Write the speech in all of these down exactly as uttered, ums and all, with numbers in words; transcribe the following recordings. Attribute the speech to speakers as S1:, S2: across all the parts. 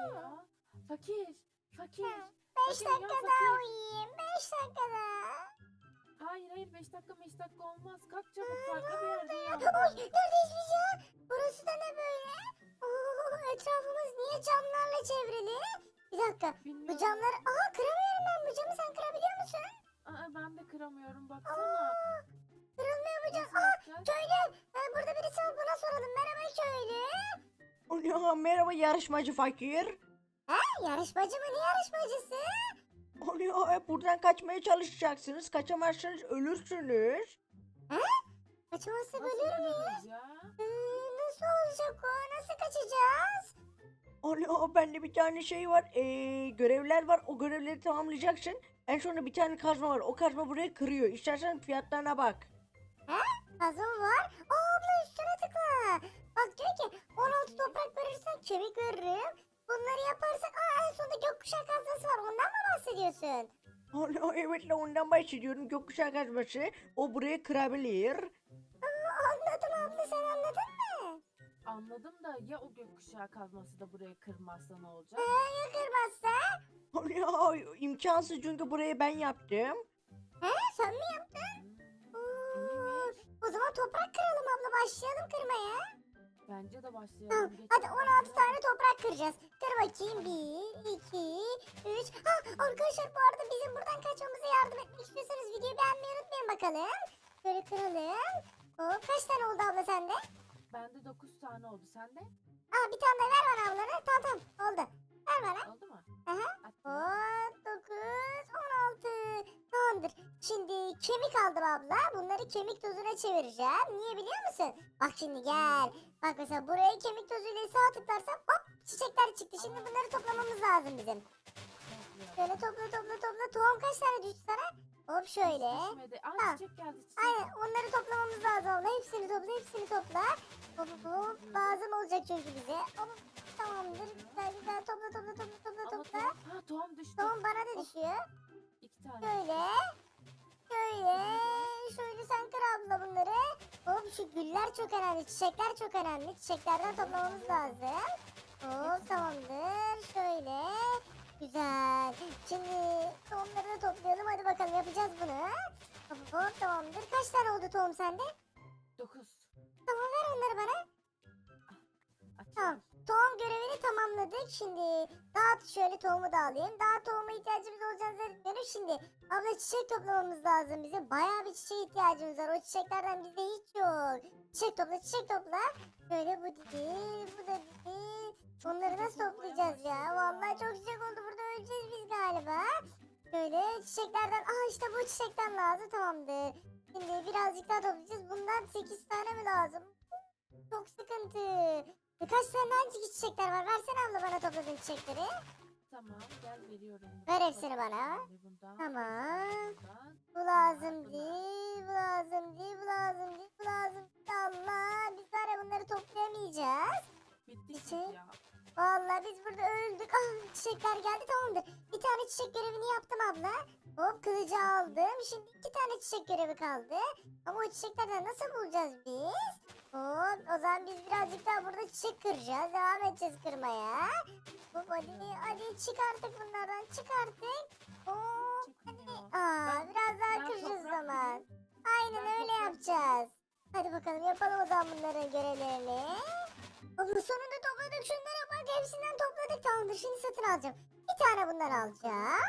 S1: ya? Fakir. Fakir.
S2: Beş
S1: Fakir
S2: dakika
S1: uyan
S2: daha
S1: fakir.
S2: uyuyayım. Beş dakika daha.
S1: Hayır hayır beş dakika beş dakika olmaz. Kalk çabuk
S2: Aa,
S1: farklı
S2: ne
S1: bir
S2: oldu
S1: yerde
S2: ya?
S1: uyan
S2: Oy,
S1: bak.
S2: neredeyiz biz ya? Burası da ne böyle? Oo, etrafımız niye camlarla çevrili? Bir dakika. Bu
S1: Bilmiyorum.
S2: camları... Aa, kıramıyorum ben bu camı. Sen kırabiliyor musun?
S1: Aa, ben de kıramıyorum baksana.
S2: Aa, kırılmıyor bu cam.
S1: Nasıl
S2: Aa,
S1: yapacağız?
S2: köylü. Ee, burada birisi var. Buna soralım. Merhaba köylü.
S3: Alo, merhaba yarışmacı fakir.
S2: Ha, yarışmacı mı? Ne yarışmacısı?
S3: Alo, e, buradan kaçmaya çalışacaksınız. Kaçamazsanız ölürsünüz.
S2: Ha? Kaçmazsak
S1: Nasıl
S2: ölür müyüz?
S1: ölürüz ya?
S2: Ee, nasıl olacak o? Nasıl kaçacağız?
S3: Alo, bende bir tane şey var. Ee, görevler var. O görevleri tamamlayacaksın. En sonunda bir tane kazma var. O kazma burayı kırıyor. İstersen fiyatlarına bak.
S2: Kazma var. Aa, abla üstüne tıkla. Bak diyor ki on altı toprak verirsen kemik veririm. Bunları yaparsak aa, en sonunda gökkuşağı kazması var. Ondan mı bahsediyorsun?
S3: Alo, evet la ondan bahsediyorum. Gökkuşağı kazması. O burayı kırabilir.
S2: Aa, anladım abla, sen anladın mı?
S1: Anladım da ya o gökkuşağı kazması da burayı kırmazsa ne olacak?
S2: Ee, ya kırmazsa?
S3: Alo, imkansız çünkü burayı ben yaptım.
S2: He, sen mi yaptın?
S1: Hmm,
S2: Oo,
S1: iyiymiş.
S2: o zaman toprak kıralım abla, başlayalım kırmaya.
S1: Bence de
S2: Tamam,
S1: başlayalım. Geç
S2: hadi
S1: bakalım.
S2: on altı tane toprak kıracağız. Kır bakayım. bir, iki, üç. Ha, arkadaşlar bu arada bizim buradan kaçmamıza yardım etmek istiyorsanız videoyu beğenmeyi unutmayın bakalım. Böyle kıralım. Hop, kaç tane oldu abla sende?
S1: Bende dokuz tane oldu. Sende?
S2: Aa, bir tane de ver bana ablanı. Tamam tamam oldu. Ver bana.
S1: Oldu mu?
S2: Aha.
S1: Attım.
S2: on dokuz, on altı. Tamamdır. Şimdi kemik aldım abla. Bunları kemik tozuna çevireceğim. Niye biliyor musun? Bak şimdi gel. Bak mesela buraya kemik tozuyla sağ tıklarsam hop çiçekler çıktı. Şimdi bunları toplamamız lazım bizim.
S1: Bekliyorum.
S2: Şöyle topla topla topla. Tohum kaç tane düştü sana? Hop şöyle.
S1: Düşmedi. Aa
S2: Ha.
S1: çiçek geldi çiçek.
S2: Aynen, onları toplamamız lazım abla. Hepsini topla, hepsini topla. Hop hop hop. Lazım olacak çünkü bize. Hop. Tamamdır. Güzel güzel topla topla topla topla
S1: Ama
S2: topla.
S1: tohum, ha tohum düştü.
S2: Tohum bana da düşüyor.
S1: İki tane.
S2: Şöyle. Şöyle. Şöyle sen kır abla bunları. Hop, şu güller çok önemli. Çiçekler çok önemli. Çiçeklerden toplamamız lazım. Hop, tamamdır. Şöyle. Güzel. Şimdi tohumları da toplayalım. Hadi bakalım, yapacağız bunu. Hop hop, tamamdır. Kaç tane oldu tohum sende?
S1: Dokuz.
S2: Tamam, ver onları bana.
S1: Açıyorum.
S2: Tamam. Tohum görevini tamamladık. Şimdi dağıt, şöyle tohumu da alayım. Daha tohuma ihtiyacımız olacağını zannetmiyorum. Şimdi abla çiçek toplamamız lazım bize. Bayağı bir çiçeğe ihtiyacımız var. O çiçeklerden bizde hiç yok. Çiçek topla, çiçek topla. Şöyle bu değil, bu da değil. Onları nasıl toplayacağız ya? Vallahi çok çiçek oldu. Burada öleceğiz biz galiba. Şöyle çiçeklerden, aa işte bu çiçekten lazım, tamamdır. Şimdi birazcık daha toplayacağız. Bundan sekiz tane mi lazım? Çok sıkıntı. Birkaç tane hangi çiçekler var? Versene abla bana topladığın çiçekleri.
S1: Tamam gel veriyorum.
S2: Ver hepsini bana.
S1: Bir bundan.
S2: Tamam.
S1: Bundan.
S2: Bu lazım değil, bu lazım değil, bu lazım değil, bu lazım değil. Allah, biz var ya bunları toplayamayacağız.
S1: Bitti
S2: Çiçek.
S1: çiçek ya.
S2: Vallahi biz burada öldük. Ah, çiçekler geldi, tamamdır. Bir tane çiçek görevini yaptım abla. Hop, kılıcı aldım. Şimdi iki tane çiçek görevi kaldı. Ama o çiçeklerden nasıl bulacağız biz? Hop, o zaman biz birazcık daha burada çiçek kıracağız. Devam edeceğiz kırmaya. Hop, hadi hadi çık artık bunlardan, çık artık. Hop.
S1: Çıkmıyor.
S2: Aa,
S1: Ben-
S2: biraz daha
S1: ben
S2: kıracağız o
S1: toprak
S2: zaman.
S1: bulayım.
S2: Aynen
S1: Ben
S2: öyle
S1: toprak
S2: yapacağız. Hadi bakalım, yapalım o zaman bunların görevlerini. Ama sonunda topladık, şunlara bak, hepsinden topladık, tamamdır. Şimdi satın alacağım. Bir tane bundan alacağım.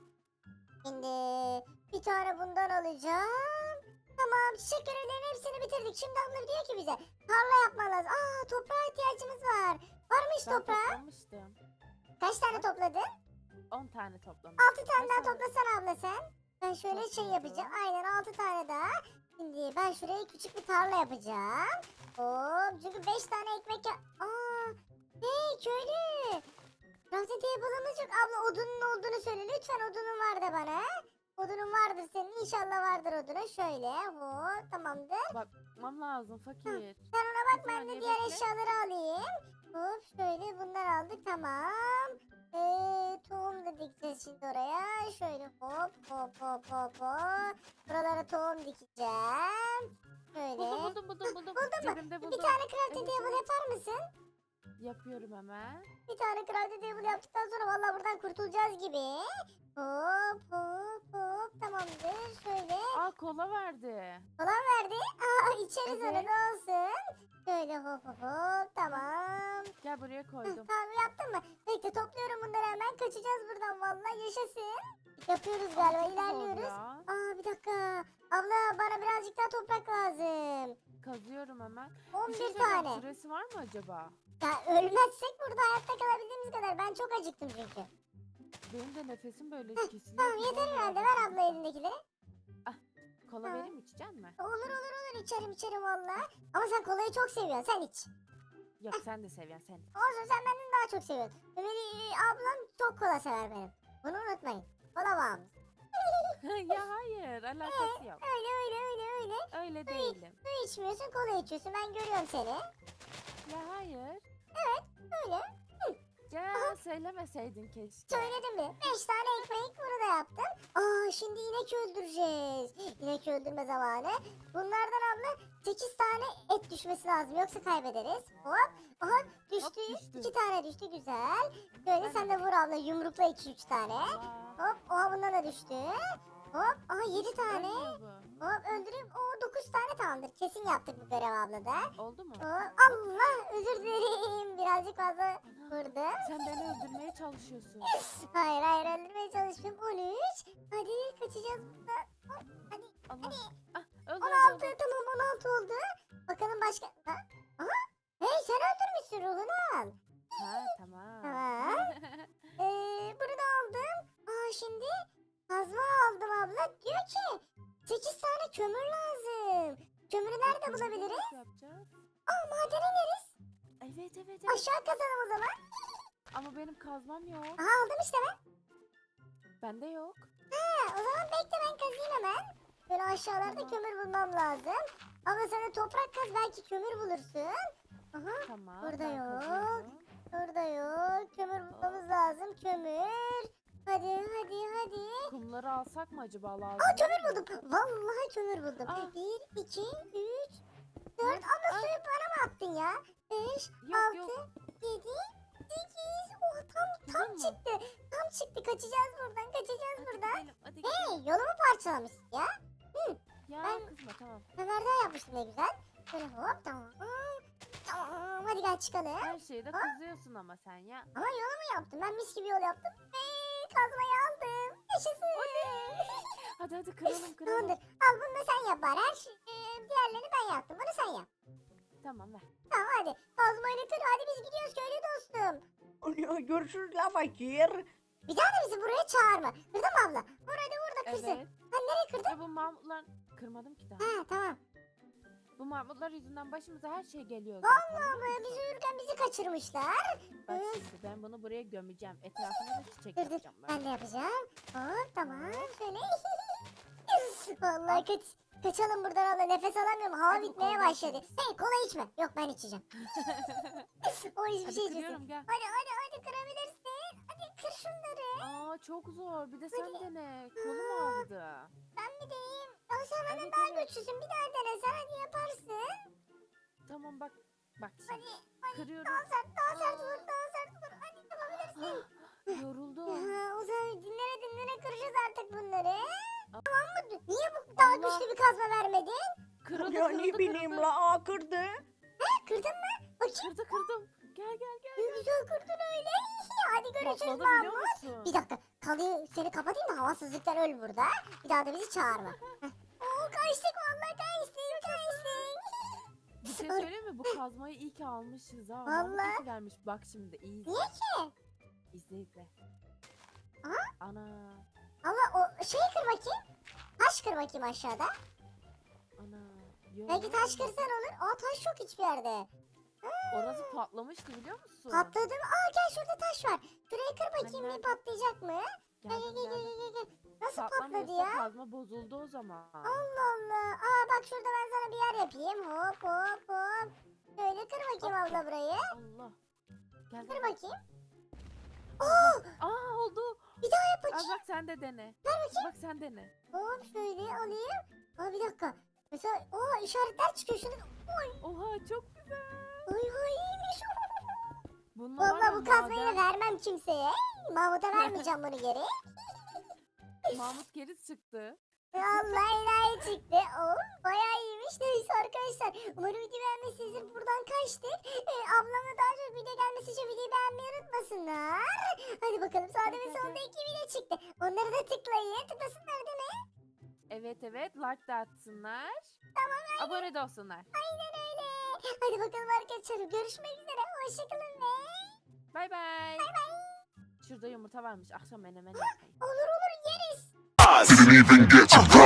S2: Şimdi bir tane bundan alacağım. Tamam, çiçek görevlerinin hepsini bitirdik. Şimdi abla diyor ki bize tarla yapman lazım. Aa, toprağa ihtiyacımız var. Var mı hiç
S1: Ben
S2: toprağı?
S1: toplamıştım.
S2: Kaç tane topladın?
S1: On tane toplamıştım.
S2: Altı tane
S1: Kaç
S2: daha toplasana abla sen. Ben şöyle
S1: Çok
S2: şey
S1: oldu.
S2: yapacağım. Aynen, altı tane daha. Şimdi ben şuraya küçük bir tarla yapacağım. Hop, çünkü beş tane ekmek ya... Aa, hey köylü. Crafting table'ımız yok. Abla odunun olduğunu söyle. Lütfen odunun var da bana. Odunun vardır senin. İnşallah vardır odunun. Şöyle hop, tamamdır.
S1: Bakmam lazım fakir.
S2: Sen ona bak,
S1: Bir
S2: ben de
S1: saniye
S2: diğer
S1: bekle.
S2: eşyaları alayım. Hop, şöyle bunları aldık, tamam. Ee, tohum da dikeceğiz şimdi oraya. Şöyle hop hop hop hop hop. Buralara tohum dikeceğim. Şöyle.
S1: Buldum buldum buldum buldum.
S2: Buldun mu?
S1: Cebimde
S2: Bir
S1: buldum.
S2: tane crafting
S1: Evet,
S2: table
S1: evet.
S2: yapar mısın?
S1: Yapıyorum hemen.
S2: Bir tane crafting table yaptıktan sonra vallahi buradan kurtulacağız gibi. Hop hop hop tamamdır. Şöyle
S1: Aa, kola verdi.
S2: falan verdi. Aa içeriz onu
S1: Evet.
S2: ne olsun. Şöyle hop hop hop tamam.
S1: Gel, buraya
S2: Heh,
S1: koydum.
S2: tamam yaptın mı? Bekle topluyorum bunları hemen kaçacağız buradan vallahi yaşasın. Yapıyoruz galiba
S1: Çok zor
S2: ilerliyoruz.
S1: ya.
S2: Aa bir dakika. Abla bana birazcık daha toprak lazım.
S1: Kazıyorum hemen. Bir
S2: on bir
S1: şey söyleyeceğim,
S2: tane.
S1: süresi var mı acaba?
S2: Ya ölmezsek burada hayatta kalabildiğimiz kadar. Ben çok acıktım çünkü.
S1: Benim de nefesim böyle kesiliyor.
S2: Tamam
S1: gibi
S2: yeter
S1: oluyor
S2: herhalde.
S1: arada
S2: Ver abla
S1: sırada.
S2: elindekileri.
S1: Kola
S2: Tamam.
S1: vereyim mi, içecek misin?
S2: Olur olur olur içerim içerim valla. Ama sen kolayı çok seviyorsun. Sen iç.
S1: Yok, sen de seviyorsun sen.
S2: Olsun sen benden daha çok seviyorsun. Ömer'i ablam çok kola sever benim. Bunu unutmayın. Kola bağımlısı.
S1: Ya hayır, alakası yok.
S2: Öyle öyle öyle öyle.
S1: Öyle değilim.
S2: Su içmiyorsun kola içiyorsun. Ben görüyorum seni.
S1: Ya hayır.
S2: Öyle.
S1: Ya söylemeseydin keşke.
S2: Söyledim mi? Beş tane ekmek bunu da yaptım. Aa şimdi inek öldüreceğiz. İnek öldürme zamanı. Bunlardan abla sekiz tane et düşmesi lazım. Yoksa kaybederiz. Hop. Aha düştü.
S1: düştü.
S2: iki tane düştü güzel. Böyle
S1: Ben
S2: sen
S1: de
S2: de vur abla yumrukla iki üç tane.
S1: Allah.
S2: Hop. Oha bundan da düştü. Hop. Aha yedi
S1: Hiç
S2: tane.
S1: ölmüyor bu.
S2: Hop öldüreyim. Oo dokuz tane tamamdır. Kesin yaptık bu görev abla da.
S1: Oldu mu?
S2: Hop. Allah özür dilerim. Birazcık fazla
S1: Ana,
S2: vurdum.
S1: sen beni öldürmeye çalışıyorsun.
S2: Hayır hayır öldürmeye çalıştım. on üç. Hadi kaçacağız buradan. Hop, hadi.
S1: Allah. Ah, öldü,
S2: on
S1: öldü,
S2: altı
S1: öldü.
S2: tamam on altı oldu. Bakalım başka. Ha? Aha. Hey sen öldürmüşsün ruhunu al.
S1: Ha, tamam.
S2: Tamam. Ee, bunu da aldım. Aa şimdi kazma aldım abla. Diyor ki sekiz tane kömür lazım. Kömürü nerede
S1: Kömürü
S2: bulabiliriz?
S1: nasıl yapacağız?
S2: Aa madene ineriz.
S1: Evet, evet, evet.
S2: Aşağı kazalım o zaman.
S1: Ama benim kazmam yok.
S2: Aha aldım işte ben.
S1: Bende yok.
S2: Ha, o zaman bekle ben kazayım hemen. Böyle aşağılarda
S1: Tamam.
S2: kömür bulmam lazım. Ama sen de toprak kaz belki kömür bulursun. Aha
S1: Tamam.
S2: Burada
S1: ben
S2: yok.
S1: kazıyorum.
S2: burada yok. Kömür bulmamız lazım. Kömür. Hadi hadi hadi.
S1: Kumları alsak mı acaba, lazım?
S2: Aa kömür
S1: olur mu?
S2: buldum. Vallahi kömür buldum.
S1: Aa.
S2: Bir, iki, üç, dört. Abla
S1: Aa.
S2: suyu bana mı attın ya? Beş,
S1: Yok,
S2: altı,
S1: yok.
S2: yedi, sekiz. Oh tam tam
S1: Buldun mu?
S2: çıktı. Tam çıktı. Kaçacağız buradan. Kaçacağız
S1: Hadi
S2: buradan.
S1: gidelim, hadi
S2: Hey
S1: gidelim.
S2: yolumu parçalamışsın ya.
S1: Ya
S2: ben-
S1: kızma, tamam.
S2: Ömer'den yapmıştım ne güzel. Böyle hop tamam. Tamam hadi gel çıkalım.
S1: Her şeyde
S2: Ha?
S1: kızıyorsun ama sen ya.
S2: Ama yolumu yaptım. Ben mis gibi yol yaptım. Ve kazmayı aldım. Yaşasın.
S1: Hadi hadi, kıralım kıralım.
S2: Tamamdır. Al bunu da sen yap bari. Her şey, e, diğerlerini ben yaptım. Bunu sen yap.
S1: Tamam, ver.
S2: Tamam hadi. Kazmayla kır. Hadi biz gidiyoruz köylü dostum.
S3: Alo, görüşürüz la fakir.
S2: Bir daha da bizi buraya çağırma. Kırdın mı abla? Vur hadi vur da kırsın.
S1: Evet.
S2: Ha nereye kırdın?
S1: Ya bu Mahmutlar... Kırmadım ki daha.
S2: Ha tamam.
S1: Bu Mahmutlar yüzünden başımıza her şey geliyor
S2: Vallahi
S1: zaten.
S2: mı? Biz uyurken bizi kaçırmışlar.
S1: Bak
S2: Hı.
S1: şimdi ben bunu buraya gömeceğim. Etrafına da çiçek
S2: Dur dur
S1: yapacağım ben.
S2: ben de yapacağım. Hop tamam şöyle. Vallahi kaç, kaçalım buradan abla nefes alamıyorum. Hava
S1: Hadi
S2: bitmeye
S1: kola
S2: başladı.
S1: içeriz.
S2: Hey kola içme. Yok ben içeceğim. O hiçbir
S1: Hadi
S2: şey içmesin.
S1: kırıyorum, gel.
S2: Hadi hadi hadi kırabilirsin. Hadi kır şunları.
S1: Aa, çok zor. Bir de sen dene. Kolum ağrıdı.
S2: Ben mi diyeyim? Ama sen benden
S1: Evet,
S2: daha
S1: evet.
S2: güçlüsün. Bir daha dene sen hadi yaparsın.
S1: Tamam, bak. Bak şimdi.
S2: Hadi hadi
S1: Kırıyorum.
S2: daha sert daha sert
S1: Aa.
S2: vur daha sert vur. Hadi yapabilirsin.
S1: Ah, yoruldum.
S2: Ya, o zaman dinlene dinlene kıracağız artık bunları. Tamam mı? Niye bu daha
S1: Allah.
S2: güçlü bir kazma vermedin?
S1: Kırıldı,
S3: Ya
S1: kırıldı,
S3: ne bileyim
S1: kırıldı.
S3: la, aa kırdı.
S2: Ha, kırdın mı? Bakayım.
S1: Kırdı, kırdım. Gel, gel, gel.
S2: Ne güzel kırdın öyle. Hadi görüşürüz
S1: Patladı, biliyor
S2: Mahmut.
S1: musun?
S2: Bir dakika. Kalıyı seni kapatayım da havasızlıktan öl burada. Bir daha da bizi çağırma. Heh. Oo kaçtık vallahi kaçtık kaçtık.
S1: Bir şey söyleyeyim mi? Bu kazmayı iyi ki almışız ha. Mahmut
S2: Vallahi.
S1: iyi ki vermiş. Bak şimdi, iyi izle.
S2: Niye ki?
S1: İzle, izle.
S2: Aha.
S1: Ana.
S2: Allah o şeyi kır bakayım. Taş kır bakayım aşağıda.
S1: Ana. Yo,
S2: Belki taş kırsan olur. Aa taş yok hiçbir yerde.
S1: Orası patlamıştı, biliyor musun?
S2: Patladı mı? Aa gel şurada taş var. Şurayı kır bakayım
S1: Hani
S2: bir patlayacak mı? Gel
S1: Geldim,
S2: gel gel
S1: geldim.
S2: gel gel. gel. Nasıl patladı
S1: Patlamıyorsa
S2: ya?
S1: kazma bozuldu o zaman.
S2: Allah Allah. Aa bak şurada ben sana bir yer yapayım. Hop hop hop. Şöyle kır bakayım abla burayı.
S1: Allah. Gel,
S2: Kır
S1: gel.
S2: bakayım. Aa
S1: Aa, oldu.
S2: bir daha yap
S1: Al
S2: bakayım.
S1: bak, sen de dene.
S2: Ver bakayım.
S1: Bak sen dene.
S2: Hop şöyle alayım. Aa bir dakika. Mesela o işaretler çıkıyor şunu. Oy
S1: Oha, çok güzel.
S2: oy oy iyiymiş. kazmayı
S1: Madem-
S2: vermem kimseye. Mahmut'a vermeyeceğim bunu geri.
S1: Mahmut geri çıktı.
S2: Allah enayi çıktı. Oh, bayağı iyiymiş. Neyse arkadaşlar. Umarım video beğenmişsinizdir. Buradan kaçtık. Ee, ablamla daha çok video gelmesi için videoyu beğenmeyi unutmasınlar. Hadi bakalım sağda ve
S1: Evet,
S2: solda
S1: evet.
S2: iki video çıktı. Onları da tıklayın. Tıklasınlar değil mi?
S1: Evet evet like de atsınlar.
S2: Tamam.
S1: Abone de olsunlar.
S2: Aynen öyle. Hadi bakalım arkadaşlar. Görüşmek üzere. Hoşçakalın ve...
S1: Bay bay. Şurada yumurta varmış. Akşam menemen yapayım.
S2: Olur olur yeriz.
S4: I didn't even get to